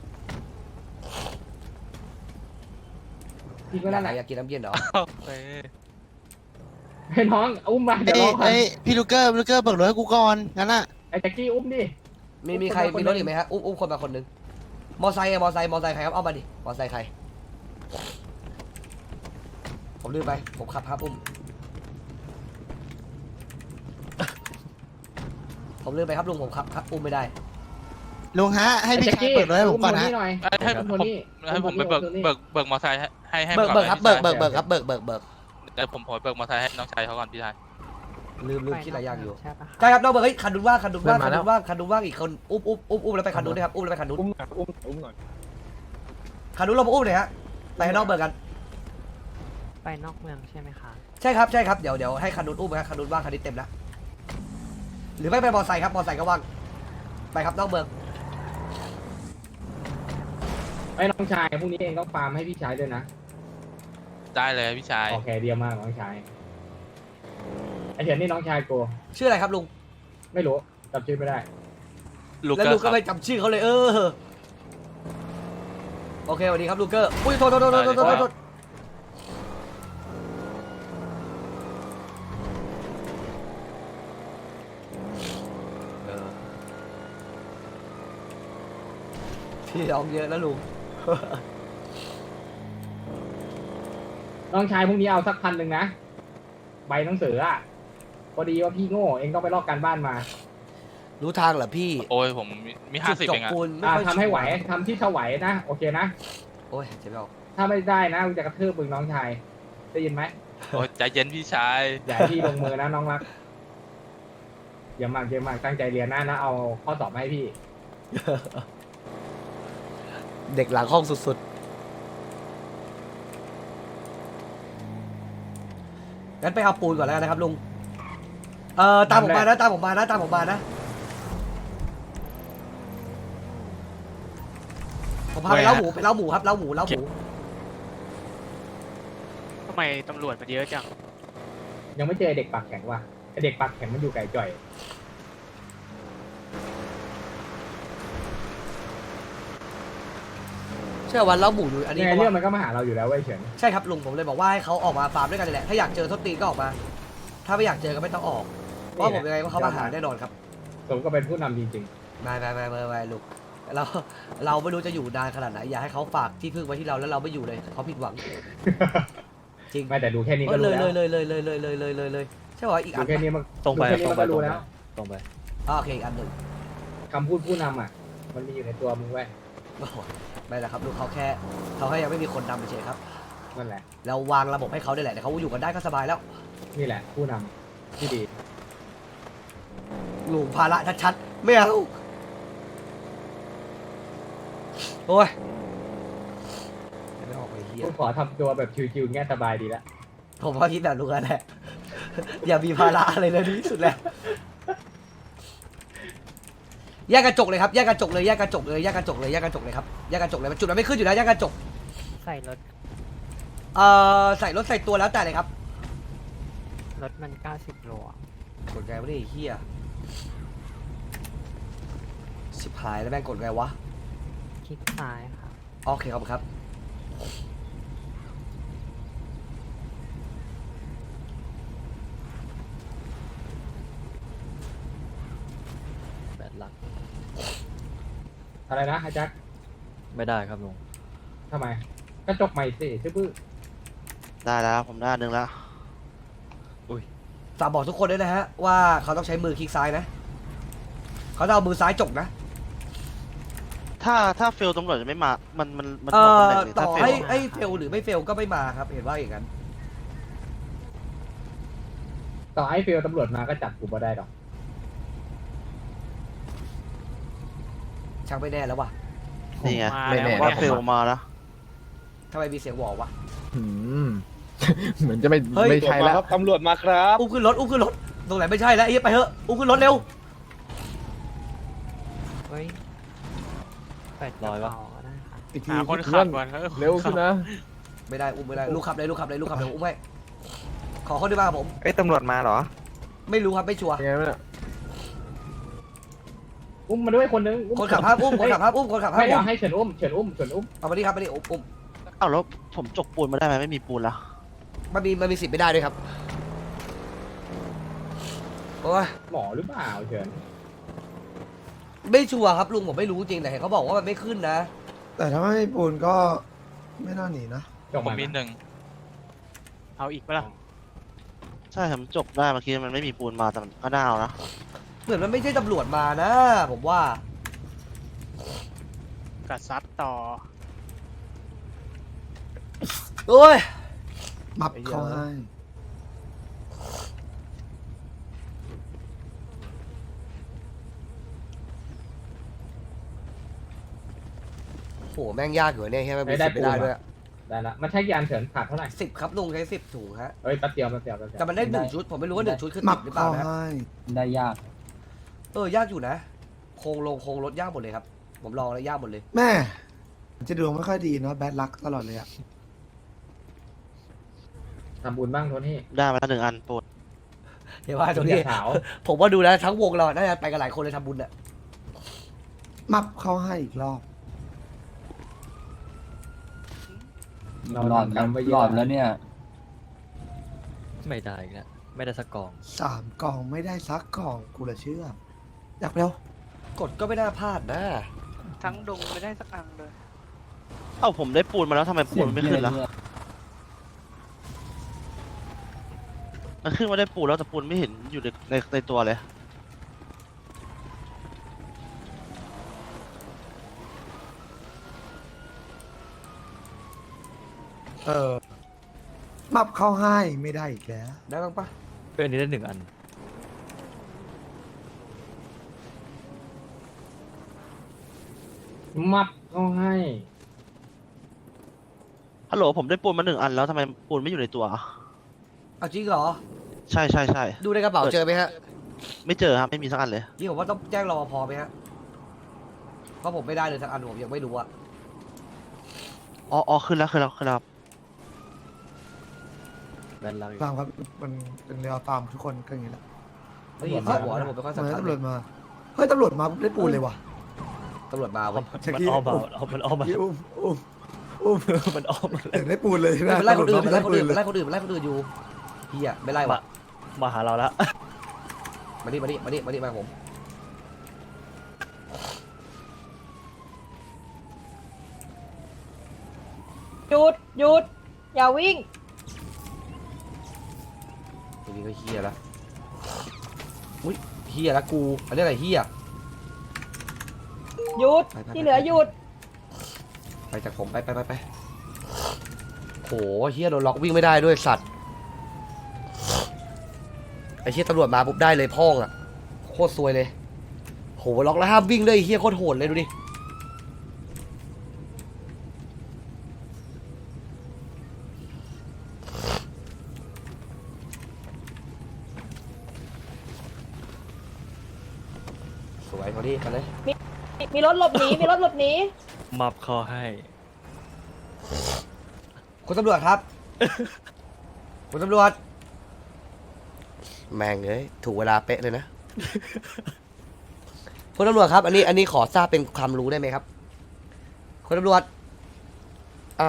Speaker 7: พี่ก็นั่นแหละ
Speaker 1: อยากกินน้ำเย็นเหรอ
Speaker 7: ให้น้องอุ้มมาเดี๋ยว
Speaker 3: เอ้
Speaker 7: ร
Speaker 3: ย
Speaker 7: อก่อน
Speaker 3: เอ้ยพี่ลูกเกอร์พี่ลูกเกอร์เบิกรถให้กูก่อนงั้นน่ะ
Speaker 7: ไอ้แจ็คกี้อุ้มดิ
Speaker 1: มีมีใครมีรถอีกไหมฮะอุ้มอุ้มคนมาคนหนึงมอไซค์อะมอไซค์มอไซค์ใครครับเอามาดิมอไซค์ใครผมลืมไปผมขับครับอุ้ม ผมลืมไปครับลุงผมขับครับอุ้มไม่ได้
Speaker 3: ลุงฮะ ให้พี่ชายเบิกรถให้ผมก่อนฮะ
Speaker 7: หน่อย
Speaker 4: ให้
Speaker 7: อุ้ม
Speaker 4: ผ
Speaker 7: โท
Speaker 4: ม
Speaker 7: นี่
Speaker 4: ให้ผมไปเบิกเบิกเบิกมอไซค์ให้ให้
Speaker 1: เบิก
Speaker 4: ก่อน
Speaker 1: เบิกครับ
Speaker 4: พี่
Speaker 1: เบิก
Speaker 4: ชาย
Speaker 1: เบิกเบิกครับเบิกเบิกเบิก
Speaker 4: เดี๋ยวผมผมเบิกมอไซค์ให้น้องชายเขาก่อนพี่ชาย
Speaker 1: ลืมลืมคิดหลายอย่างอยู่ใช่ครับน้องเบิกเฮ้ยคันนู้นว่างคันนู้นว่างคันนู้นว่างคันนู้นว่างอีกคนอุ้มอุ้มอุ้มอุ้มแล้วไปคันนู้นด้วยครับอุ้มแล้วไปคันนู้น
Speaker 7: อุ้มหน่อยอุ้มอุ้มหน่อย
Speaker 1: คันนู้นเรามาอุ้มเลยฮะไปให้น้องเบิกกัน
Speaker 11: ไปนอกเมืองใช่ไหมคะ
Speaker 1: ใช่ครับใช่ครับเดี๋ยวเดี๋ยวให้คันนู้นอุ้มนะครับคันนู้นว่างคันนี้เต็มแล้วหรือไม่ไปมอไซค์ครับมอไซค์ก็ว่างไปครับน้องเบิก
Speaker 7: ไอ้น้องชายพรุ่งนี้เองต้องฟาร์มให้พี่ชายด้วยนะ
Speaker 4: ได้เลยพี่ชาย
Speaker 7: โอเคเดียวมากน้องชายไอ้เฉินนี่น้องชายกู
Speaker 1: ชื่ออะไรครับลุง
Speaker 7: ไม่รู้จำชื่อไม่ได้
Speaker 4: ลูก
Speaker 1: แล้ว
Speaker 4: เกอ
Speaker 1: ลุง
Speaker 4: ร์ค
Speaker 1: ก็
Speaker 4: รับ
Speaker 1: ไม่จำชื่อเขาเลยเออโอเคสวัสดีครับลูกเกอร์อุ้ยโทษโทษโทษโทษโทษโทษโทษพี่ร้องเยอะนะลุง
Speaker 7: น้องชายพรุ่งนี้เอาสักพันหนึ่งนะใบหนังสืออ่ะพอดีว่าพี่โง่เองต้องไปลอกการบ้านมา
Speaker 1: รู้ทางเหรอพี่
Speaker 4: โอ้ยผมมีมีห้าสิบ
Speaker 1: จุด
Speaker 4: เองอะ
Speaker 1: จบปูนไม่
Speaker 7: อ่า
Speaker 1: ค่อย
Speaker 7: ทำให้ไหว
Speaker 1: ชัร์
Speaker 7: ทำที่ถวายนะโอเคนะ
Speaker 1: โอ้ยเจ็บไม่ออก
Speaker 7: ถ้าไม่ได้นะกูจะกระทืบมึงน้องชายได้ยินไหม
Speaker 10: โอ้ใจเย็นพี่ชาย
Speaker 7: อย่าให้พี่ลงมือนะน้องรักอย่ามากอย่ามากตั้งใจเรียนนะนะเอาข้อสอบมาให้พี่
Speaker 1: เด็กหลังห้องสุดๆงั้นไปเอาปูนก่อนแล้วกันนะครับลุงเอ่อตามผมมานะตามผมมานะตามผมมานะผมพาไปเล้าหมูไปเล้าหมูครับเล้าหมูเล้าหมู
Speaker 11: ทำไมตำรวจมันเยอะจัง
Speaker 7: ยังไม่เจอเด็กปากแข็งว่ะไอ้เด็กปากแข็งมันอยู่ไกลจ่อย
Speaker 1: เชื่อวันเล้าหมูอยู่อันนี้
Speaker 7: ยังไง
Speaker 1: เพราะ
Speaker 7: เรื่อง
Speaker 1: ว่า
Speaker 7: มันก็มาหาเราอยู่แล้วเว้ยเฉิน
Speaker 1: ใช่ครับลุงผมเลยบอกว่าให้เขาออกมาฟาร์มด้วยกันนี่แหละถ้าอยากเจอทศตีนก็ออกมา ถ้าไม่อยากเจอก็ไม่ต้องออกเพราะผมยังไงว่าเขามาหาแน่นอนครับ
Speaker 7: สมก็เป็นผู้นำจริง
Speaker 1: ไม่ไม่ไม่ไม่ไม่ลูกเราเราไม่รู้จะอยู่นานขนาดไหนอยากให้เขาฝากที่พึ่งไว้ที่เราแล้วเราไม่อยู่เลยเขาผิดหวัง
Speaker 7: ๆ
Speaker 1: จริง
Speaker 7: ไม่แต่ดูแค่นี้ก็
Speaker 1: เล
Speaker 7: รู้
Speaker 1: ย
Speaker 7: แล้ว
Speaker 1: เลยเลยเลยเลยเลยเลยเลยเลยเลยใช่ป่ะอีกอั
Speaker 7: ดู
Speaker 1: น
Speaker 7: แค่นี้มัน
Speaker 5: ตรงไป
Speaker 7: ดูแค่นี้มันก็รู้แล้ว
Speaker 5: ตรงไป
Speaker 1: อ่าโอเคอีกอันหนึ่ง
Speaker 7: คำพูดผู้นำอ่ะ มันมีอยู่ในตัวมึงเว้ย
Speaker 1: โอ้โหไม่ละครับลูกเขาแค่เขาแค่ยังไม่มีคนนำไปเฉยครับ
Speaker 7: นั่นแหละ
Speaker 1: เราวางระบบให้เขาได้แหละเดี๋ยวเขาอยู่กันได้ก็สบายแล้ว
Speaker 7: นี่แหละ ผู้นำที่ดี
Speaker 1: ลุงภาระชัดๆไม่เอาโอ้ยไม่ออกไปเฮีย
Speaker 7: กูขอทำตัวแบบชิวๆเงี้ยสบายดีแล้ว
Speaker 1: ผมก็คิดแบบลุงนั่นแหละ อย่ามีภาระอะไรเลยดีที่สุดแล้วแยกกระจกเลยครับแยกกระจกเลยแยกกระจกเลยแยกกระจกเลยแยกกระจกเลยครับแยกกระจกเลยมันจุดมันไม่ขึ้นอยู่แล้วแยกกระจก
Speaker 11: ใส่รถ
Speaker 1: เอ่อใส่รถใส่ตัวแล้วแต่เลยครับ
Speaker 11: รถมันเก้าสิบโลอะ
Speaker 1: กดไงวะนี่ไอ้เฮียชิบหายแล้วแม่งกดไงวะ
Speaker 11: คลิกซ้ายครับ
Speaker 1: โอเคครับครับแบดลัก
Speaker 7: อะไรนะอาจัก
Speaker 5: ไม่ได้ครับลุง
Speaker 7: ทำไมกระจกใหม่สิชื่อบื้อ
Speaker 3: ได้แล้วผมได้หนึ่งแล้ว
Speaker 1: ฝากบอกทุกคนด้วยนะฮะว่าเขาต้องใช้มือคลิกซ้ายนะเขาจะเอามือซ้ายจกนะ
Speaker 3: ถ้าถ้าเฟลตำรวจจะไม่มา มันมันมัน
Speaker 1: เอ่
Speaker 3: บอกตำ
Speaker 1: อ
Speaker 3: แหน่งเลย
Speaker 1: ต่
Speaker 3: ถ้า
Speaker 1: อ
Speaker 3: เฟล
Speaker 1: ให้
Speaker 3: อะ
Speaker 1: ให้เฟลหรือไม่เฟลก็ไม่มาครับเห็นว่าอย่างนั้น
Speaker 7: ต่อให้ฟิลตำรวจมาก็จับกูบ่ได้หรอก
Speaker 1: ช่างไม่แน่แล้ววะ
Speaker 3: นี่ไง
Speaker 11: มา
Speaker 3: ไม่
Speaker 11: แล้ว
Speaker 3: แน่ว่าเฟลมาแล้ว
Speaker 1: ทำไมมีเสียงหวอวะ
Speaker 2: เหมือนจะไม่
Speaker 1: เฮ้ย
Speaker 2: ไม่ใช่แล้ว
Speaker 4: ตำรวจมาครับ
Speaker 1: อุ้มขึ้นรถอุ้มขึ้นรถตรงไหนไม่ใช่แล้วไอ้เหี้ยไปเถอะอุ้มขึ้นรถเร็ว
Speaker 11: เฮ้ยเปิดก
Speaker 5: ร้
Speaker 11: ระ
Speaker 5: อยวะ
Speaker 11: เป๋าก็ได้ค่ะ
Speaker 2: อีกที
Speaker 5: หาคนขับก่อน
Speaker 2: เร็วขึ้นนะ
Speaker 1: ไม่ได้อุ้มไม่ได้ลูกขับเลยลูกขับเลยลูกขับเลยอุ้มไว้ขอคนที่มากับผม
Speaker 6: เอ้ยตำรวจมาเหรอ
Speaker 1: ไม่รู้ครับไม่ชัวร์
Speaker 2: ยังไงวะเนี่ย
Speaker 7: อุ้มมาด้วยคนนึงอุ้ม
Speaker 1: คนขับห้ามอุ้มคนขับห้ามอุ้มคนขับห้า
Speaker 7: ไม่
Speaker 1: ม
Speaker 7: เดี๋ย
Speaker 1: อุ้
Speaker 7: ว
Speaker 1: ม
Speaker 7: ให้เฉินอุ้มเฉินอุ้มเฉินอุ้ม
Speaker 1: เอามาดิครับมาดิอุ้มอุ้ม
Speaker 3: เอ้าแล้วผมจกปูนมาได้ไหมไม่มีปูนแล้ว
Speaker 1: มันมีมันมีสิทธิ์ไม่ได้ด้วยครับโอ้ย
Speaker 7: หมอหรือเปล่าเฉิน
Speaker 1: ไม่ชัวร์ครับลุงผมไม่รู้จริงแต่เห็นเขาบอกว่ามันไม่ขึ้นนะ
Speaker 9: แต่ถ้าไม่ปูนก็ไม่น่าหนีนะ
Speaker 7: จบ
Speaker 10: ผม
Speaker 7: มา
Speaker 10: มีหนึ่ง
Speaker 11: เอาอีกปะล่ะ
Speaker 3: ใช่ผมจกได้เมื่อกี้มันไม่มีปูนมาแต่มันก็น่าเอานะ
Speaker 1: เหมือนมันไม่ใช่ตำรวจมานะ ผมว่า
Speaker 11: กัดซัดต่อ
Speaker 1: โอ้ย
Speaker 9: มับเขาให้
Speaker 1: โหแม่งยากอยู่เนี่ยใช่ไหมมีสิทธิ์ไม่ได้ด้วย
Speaker 7: ได้ละมันใช้ยานเฉินขาดเท่าไหร่
Speaker 1: สิบครับลุงใช้สิบถุงฮะ
Speaker 7: เอ้ยแป๊บเดียวแป๊บเดียวแป๊บเดียว
Speaker 1: แต่มันได้หนึ่งชุดผมไม่รู้ว่าหนึ่งชุดคือ
Speaker 9: มั
Speaker 1: ติ
Speaker 9: บ
Speaker 1: ดหรือเปล่า
Speaker 9: เขา
Speaker 1: นะ
Speaker 9: ให้
Speaker 2: ได้ยาก
Speaker 1: เออยากอยู่นะ โครงลงโครงรถยากหมดเลยครับ ผมลองแล้วยากหมดเลย
Speaker 9: แม่จะดวงไม่ค่อยดีเนาะแบดลักตลอดเลยอะ
Speaker 7: ทำบุญบ้างโทนี่
Speaker 3: ได้มาแล้วหนึ่งอันปูน
Speaker 1: เห็นว่าตรงนี้
Speaker 7: ขาว
Speaker 1: ผมว่าดูแล้วทั้งวงเราน่าจะไปกันหลายคนเลยทำบุญอะ
Speaker 9: มับเขาให้อีกรอบ
Speaker 2: หลอดแล้วหลอดแล้วเนี่ย
Speaker 5: ไม่ได้อีกแล้วไม่ได้สักกอง
Speaker 9: สามกล่องไม่ได้ซักกล่องกูเลยเชื่ออยากเร็ว
Speaker 1: กดก็ไม่น่าพลาดนะ
Speaker 11: ทั้งดงไม่ได้สักอันเลย
Speaker 3: เอ้าผมได้ปูนมาแล้วทำไมปู
Speaker 2: เสีย
Speaker 3: น
Speaker 2: ง
Speaker 3: ไม่
Speaker 2: เหี้ย
Speaker 3: ขึ้นล่ะ
Speaker 2: เนี่ย
Speaker 3: มันขึ้นมาได้ปูนแล้วแต่ปูนไม่เห็นอยู่ในในในตัวเลย
Speaker 9: เออมับเข้าให้ไม่ได้อีกแล้ว
Speaker 1: ได้บ้างปะ
Speaker 5: เป็นอันนี้ได้หนึ่งอัน
Speaker 7: มัดเขาให้
Speaker 3: ฮัลโหลผมได้ปูนมาหนึ่งอันแล้วทำไมปูนไม่อยู่ในตัว
Speaker 1: เอาจริงเหรอ
Speaker 3: ใช่ใช่ใช่
Speaker 1: ดูในกระเป๋าเจอไหมฮะ
Speaker 3: ไม่เจอครับไม่มีสักอันเลย
Speaker 1: นี่ผมว่าต้องแจ้งรปภไหมฮะเพราะผมไม่ได้เลยสักอันผมยังไม่รู้อะ
Speaker 3: อ๋ออ๋อขึ้นแล้วขึ้นแล้วขึ้นแล้ว
Speaker 9: ฟาร์มครับมันเป็นเรือฟาร์มทุกคนก็อย่างนี้แหละ
Speaker 1: ได้ยินเสียงหัวแล้วผมไม่ค่อย
Speaker 9: เห
Speaker 1: สำ
Speaker 9: มือน
Speaker 1: คัญ
Speaker 9: ตำรวจมาเฮ้ยตำรวจมาปุ๊บได้ปูนเลยว่ะ
Speaker 1: ตำรวจมาเว้ย
Speaker 9: เมื่อกี้
Speaker 5: มันอ้อมมา
Speaker 9: อุ้ม
Speaker 5: มันอ้อมมา
Speaker 9: อุ้มอุ้มอุ้ม
Speaker 5: มันอ้อมมา
Speaker 9: ถึงได้ปูนเลยใช่ไหม
Speaker 1: มันไล่คนอื่น
Speaker 9: ตำ
Speaker 1: มัน
Speaker 9: รวจ
Speaker 1: ไล่คนอื่น
Speaker 9: เล
Speaker 1: มัน
Speaker 9: ย
Speaker 1: ไล่คนอื่นมันไล่คนอื่นอยู่เฮียไม่ไล่วะ
Speaker 5: มาหาเราแล้ว
Speaker 1: มาดิมาดิมาดิมาดิมาผม
Speaker 12: หยุดหยุดอย่าวิ่ง
Speaker 1: ทีนี้ก็เฮียละอุ้ยเฮียละกูอันนี้อะไรเฮีย
Speaker 12: หยุด
Speaker 1: ไปไปไป
Speaker 12: ที่เหลือหยุด
Speaker 1: ไปจากผมไปไปไปไปโหเฮียโดนล็อกวิ่งไม่ได้ด้วยสัตว์ไอ้เฮียตำรวจมาปุ๊บได้เลยพ่องอ่ะโคตรซวยเลยโหล็อกแล้วห้ามวิ่งด้วยไอ้เฮียโคตรโหดเลยดูดิสวยพอดีกันเลย
Speaker 12: มีมีรถหลบหนีมีรถหลบหนี
Speaker 5: มับคอให้
Speaker 1: คุณตำรวจครับ คุณตำรวจ แม่งเลยถูกเวลาเป๊ะเลยนะ คุณตำรวจครับ อันนี้อันนี้ขอทราบเป็นความรู้ได้ไหมครับ คุณตำรวจ อ้าว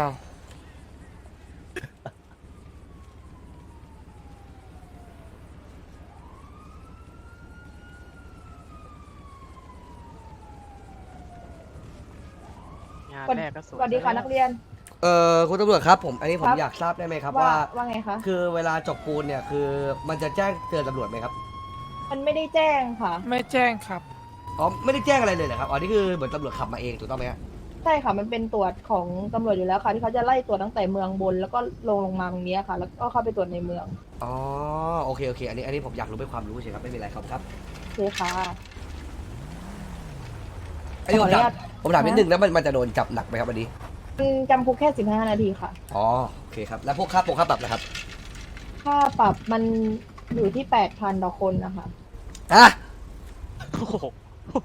Speaker 11: งาน
Speaker 12: สวัส
Speaker 11: แรกก็ส
Speaker 12: ส
Speaker 11: วย
Speaker 12: วัสดีค่ะนักเรียน
Speaker 1: เอ่อคุณตำรวจครับผม อันนี้ผม
Speaker 12: ครับ
Speaker 1: อยากทราบได้ไหมครับ
Speaker 12: ว่า
Speaker 1: ว่า
Speaker 12: ว่าไงคะ
Speaker 1: คือเวลาจบปูนเนี่ยคือมันจะแจ้งเตือนตำรวจไหมครับ
Speaker 12: มันไม่ได้แจ้งค่ะ
Speaker 11: ไม่แจ้งครับ
Speaker 1: อ๋อ ไม่ได้แจ้งอะไรเลยเหรอครับ อ๋อ นี่คือเหมือนตำรวจขับมาเองถูกต้องไหมฮะ
Speaker 12: ใช่ค่ะ มันเป็นตรวจของตำรวจอยู่แล้วค่ะ ที่เขาจะไล่ตรวจตั้งแต่เมืองบน แล้วก็ลงลงมาตรงเนี้ยค่ะ แล้วก็เข้าไปตรวจในเมือง
Speaker 1: อ๋อ โอเค โอเค อันนี้ อันนี้ผมอยากรู้เป็นความรู้เฉยครับ ไม่มีอะไรครับครับ
Speaker 12: โอเคค่ะ
Speaker 1: อันนี้ผมถาม
Speaker 12: ขออนุญาต
Speaker 1: ผมถามนิดนึงแล้วมันมันจะโดนจับหนักไหมครับวันนี้
Speaker 12: มันจำคุกแค่สิบห้านาทีค่ะ
Speaker 1: อ๋อ โอเคครับ แล้วพวกค่าปกค่าปรับนะครับ
Speaker 12: ค่าปรับมันอยู่ที่แปดพันต่อคนนะคะ
Speaker 1: ฮะ
Speaker 5: โอ้โห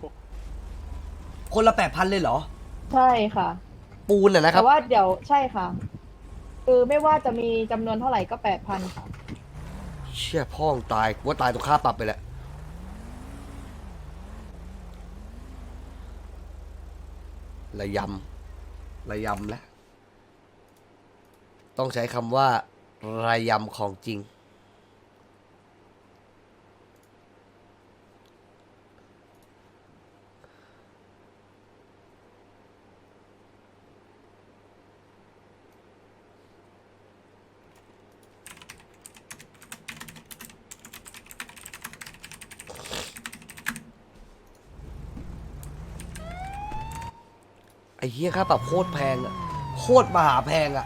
Speaker 1: คนละแปดพันเลยเหรอ
Speaker 12: ใช่ค่ะ
Speaker 1: ปูนน่ะนะครั
Speaker 12: แต่
Speaker 1: บ
Speaker 12: ว่าเดี๋ยวใช่ค่ะ คือไม่ว่าจะมีจำนวนเท่าไหร่ก็แปดพันค่ะ
Speaker 1: เชี่ยพ่องตายกูว่าตายตัวค่าปรับไปแหละระยำระยำแล้วต้องใช้คำว่าระยำของจริง ไอ้เหี้ยค่าปรับโคตรแพงอะโคตรมหาแพงอะ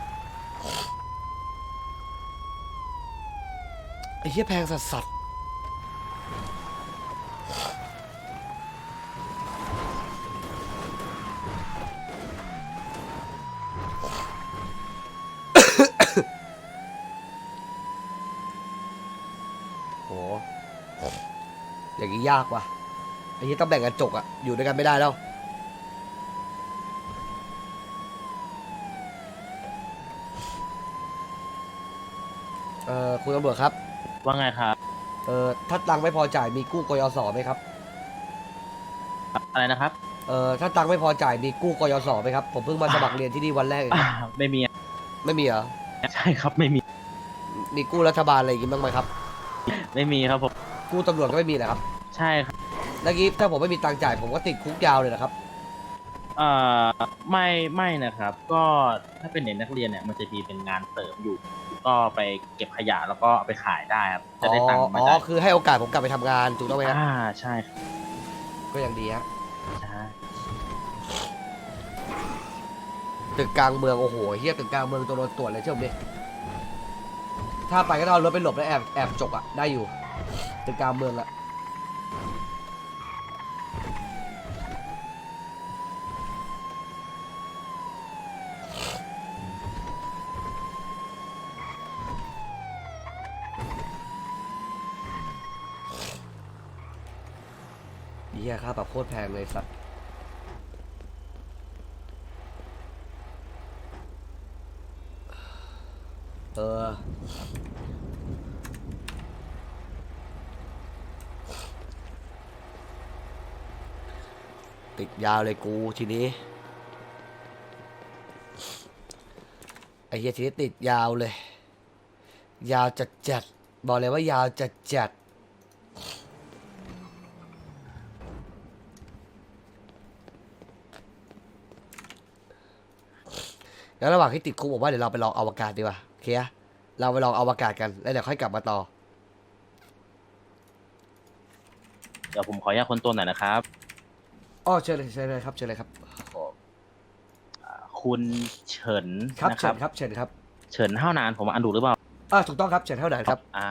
Speaker 1: ไอ้เหี้ยแพงสัสสัสโหอย่างนี้ยากว่ะไอ้เหี้ยต้องแบ่งกันจกอะอยู่ด้วยกันไม่ได้แล้ว เอ่อคุณตำรวจครับ
Speaker 10: ว่าไงครับ
Speaker 1: เอ่อถ้าตังค์ไม่พอจ่ายมีกู้กยศไหมครับ
Speaker 10: อะไรนะครับ
Speaker 1: เอ่อถ้าตังค์ไม่พอจ่ายมีกู้กยศไหมครับ ผมเพิ่งมาสมัครเรียนที่นี่วันแรกเอง
Speaker 10: ไม่มี
Speaker 1: ไม่มีเหรอ
Speaker 10: ใช่ครับไม่มี
Speaker 1: มีกู้รัฐบาลอะไรอย่างงี้บ้างไหมครับ
Speaker 10: ไม่มีครับผม
Speaker 1: กู้ตำรวจก็ไม่มีนะครับ
Speaker 10: ใช่ครับ
Speaker 1: แล้วงี้ถ้าผมไม่มีตังค์จ่ายผมก็ติดคุกยาวเลยนะครับ
Speaker 10: เอ่อไม่ไม่นะครับ ก็ถ้าเป็นเด็กนักเรียนเนี่ยมันจะมีเป็นงานเสริมอยู่ ก็ไปเก็บขยะแล้วก็เอาไปขายได้ครับจะ
Speaker 1: อ๋อ
Speaker 10: ได้ตังค์มา
Speaker 1: อ๋อ
Speaker 10: ได้
Speaker 1: คือให้โอกาสผมกลับไปทำงานถูกต้องไหมครับ
Speaker 10: อ่าใช่ครับ
Speaker 1: ก็ยังดีฮะ
Speaker 10: ใช่
Speaker 1: ตึกกลางเมืองโอ้โหเฮียตึกกลางเมืองตัวโดนตรวจเลยเชื่อผมดิถ้าไปก็ต้องเอารถไปหลบแล้วแอบแอบจกอะได้อยู่ตึกกลางเมืองอะเหี้ยค่าปรับโคตรแพงเลยสัตว์เออติดยาวเลยกูทีนี้ไอ้เหี้ยทีนี้ติดยาวเลย ยาวจัดจัดบอกเลยว่ายาวจัดจัดแล้วระหว่างที่ติดคุกผมว่าเดี๋ยวเราไปลองอวกาศดีกว่าโอเคอะเราไปลองอวกาศกันแล้วเดี๋ยวค่อยกลับมาต่อ
Speaker 10: เดี๋ยวผมขออนุญาตคนตัวหน่อยนะครับ
Speaker 1: อ๋อเชิญเลยเชิญเลยครับเชิญเลยครับ
Speaker 10: อ่าคุณเฉิน
Speaker 1: ครับ
Speaker 10: นะค
Speaker 1: เชิ
Speaker 10: รับ
Speaker 1: ญครับเชิญครับ
Speaker 10: เฉินห้าวนานผมอ่านถูกหรือเปล่า
Speaker 1: อ่าถูกต้องครับเชิญเท่าไหร่ครับ
Speaker 10: อ่า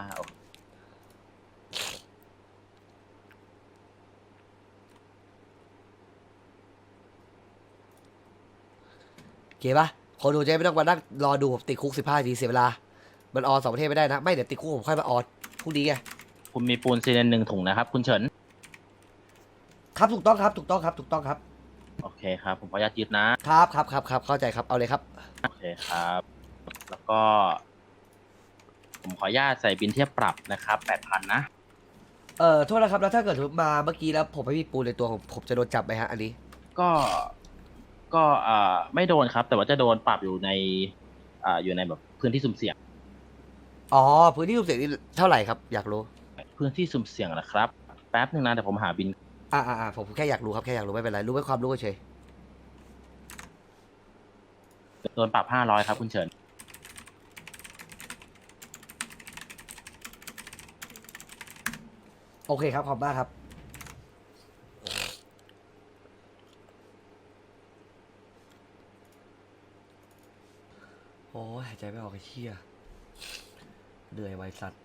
Speaker 1: โอเคปะคนดูจะไม่ต้องมานั่งรอดูผมติดคุกสิบห้าทีเสียเวลา มันออนสองประเทศไม่ได้นะ ไม่เดี๋ยวติดคุกผมค่อยมาออนพรุ่งนี้ไง
Speaker 10: คุณมีปูนซีเมนต์หนึ่งถุงนะครับ คุณเฉิน
Speaker 1: ครับถูกต้องครับถูกต้องครับถูกต้องครับ
Speaker 10: โอเคครับ ผมขออนุญาตยึดนะครับ
Speaker 1: ครับครับครับเข้าใจครับเอาเลยครับ
Speaker 10: โอเคครับ แล้วก็ ผมขออนุญาตใส่บินเทียบปรับนะครับแปดพันนะ
Speaker 1: เอ่อโทษนะครับแล้วถ้าเกิดมาเมื่อกี้แล้วผมไม่มีปูนในตัวผมผมจะโดนจับไหมฮะอันนี้
Speaker 10: ก็ ก็อ่าไม่โดนครับ แต่ว่าจะโดนปรับอยู่ใน อ่า อยู่ในแบบพื้นที่สุ่มเสี่ยง
Speaker 1: อ๋อพื้นที่สุ่มเสี่ยงนี่เท่าไหร่ครับอยากรู้
Speaker 10: พื้นที่สุ่มเสี่ยงนะครับ แป๊บนึงนะแต่ผมหาบิน
Speaker 1: อ่าอ่าอ่าผมแค่อยากรู้ครับแค่อยากรู้ไม่เป็นไรรู้ไว้ความรู้เฉย
Speaker 10: โดนปรับห้าร้อยครับคุณเฉิน
Speaker 1: โอเคครับขอบคุณมากครับโอ้ยหายใจไม่ออกไอ้เหี้ยเหนื่อยไวสัตว์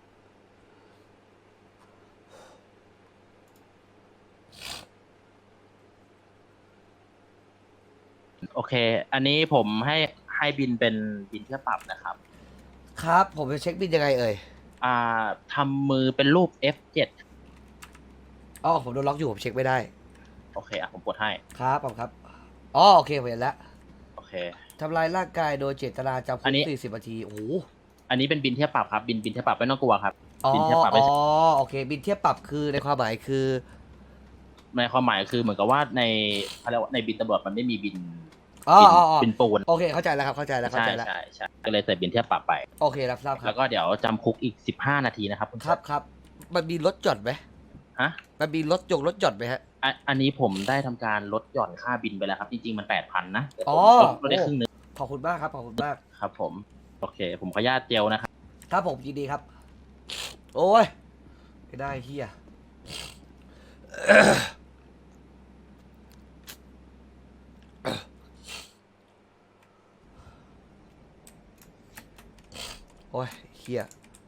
Speaker 10: โอเค อันนี้ผมให้ให้บินเป็นบินเทียบปรับนะครับ
Speaker 1: ครับผมจะเช็คบินยังไงเอ่ย
Speaker 10: อ่าทำมือเป็นรูป เอฟ เจ็ด
Speaker 1: อ๋อผมโดนล็อกอยู่ผมเช็คไม่ได้
Speaker 10: โอเคอ่ะผมกดให้
Speaker 1: ครับผมครับอ๋อโอเคผมเห็นแล้ว
Speaker 10: โอเค
Speaker 1: ทำลายร่างกายโดยเจตนาจำคุ
Speaker 10: อัน
Speaker 1: ก
Speaker 10: นี้
Speaker 1: สี่สิบนาทีโอ้โห
Speaker 10: อันนี้เป็นบินเทียบปรับครับ บินบินเทียบปรับไม่ต้องกลัวครับ
Speaker 1: อ๋อ
Speaker 10: บินเทียบปรับ
Speaker 1: อ๋
Speaker 10: ไม่
Speaker 1: อโอเค บินเทียบปรับคือในความหมายคือ
Speaker 10: ในความหมายคือเหมือนกับว่าในเขาเรียกว่าในบินตำรวจมันไม่มีบิน
Speaker 1: อ๋อ
Speaker 10: บิน
Speaker 1: อ๋ออ๋อ
Speaker 10: บินปูน
Speaker 1: โอเคเข้าใจแล้วครับเข้าใจแล้วเข้า
Speaker 10: ใช่
Speaker 1: ใจแล้ว
Speaker 10: ใช่ใช่ก็เลยใส่บินเทียบปรับไป
Speaker 1: โอเครับทราบค
Speaker 10: แล้
Speaker 1: รับ
Speaker 10: วก็เดี๋ยวจำคุกอีกสิบห้านาทีนะครับคุณ
Speaker 1: ครับครับมันมีรถจอดไหม
Speaker 10: ฮะ
Speaker 1: มันมีรถยงรถจอดไหมฮะ
Speaker 10: อันอันนี้ผมได้ทำการลดหย่อนค่าบินไปแล้วครับ จริงๆมันแปดพันนะแต่ผม
Speaker 1: อ๋อ
Speaker 10: ลดลดได้ครึ่งนึง
Speaker 1: ขอบคุณมากครับขอบคุณมาก
Speaker 10: ครับผม โอเค ผมขออนุญาตเจลนะครับ
Speaker 1: ครับผมยินดีครับ โอ้ยไม่ได้เฮีย โอ้ยเฮีย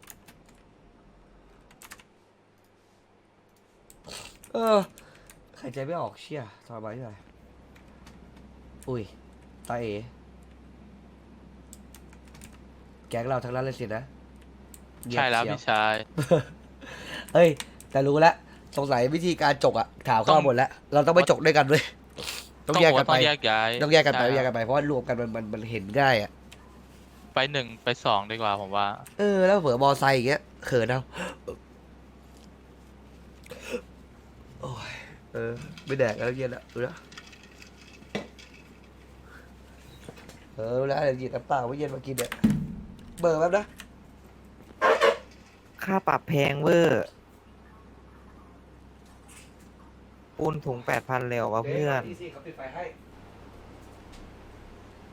Speaker 1: เออหายใจไม่ออกเชี่ยทรมานที่ไหนอุ้ยตาเอแก๊งเราทั้งนั้นเลยสินะเงียบ
Speaker 11: ใช่แล้ว
Speaker 1: เชีย
Speaker 11: พี่ชาย
Speaker 1: เฮ้ย แต่รู้แล้วสงสัยวิธีการจกอะถามข้อหมดแล้ว เราต้องไม่จกด้วยกันด้วยต้องแยกกันไป
Speaker 11: ต้องแยกย้าย
Speaker 1: ต้องแยกกันไป
Speaker 11: ใช่
Speaker 1: แยกกันไปเพราะว่ารวมกันมันมันมันเห็นง่ายอะ
Speaker 11: ไปหนึ่งไปสองดีกว่าผมว่า
Speaker 1: เออแล้วเผื่อมอไซค์อย่างเงี้ยเขินเอาโอ้ยเออไม่แดกแล้วเย็นละรู้แล้วเออรู้แล้วเดี๋ยวหยิบน้ำเปล่าไว้เย็นมากินเนี่ยเบอร์แป๊บนะ
Speaker 6: ค่าปรับแพงเวอร์ปูนถุงแปดพันเร็ววะเพื่อน
Speaker 1: ที่สี่เขาปิดไฟให้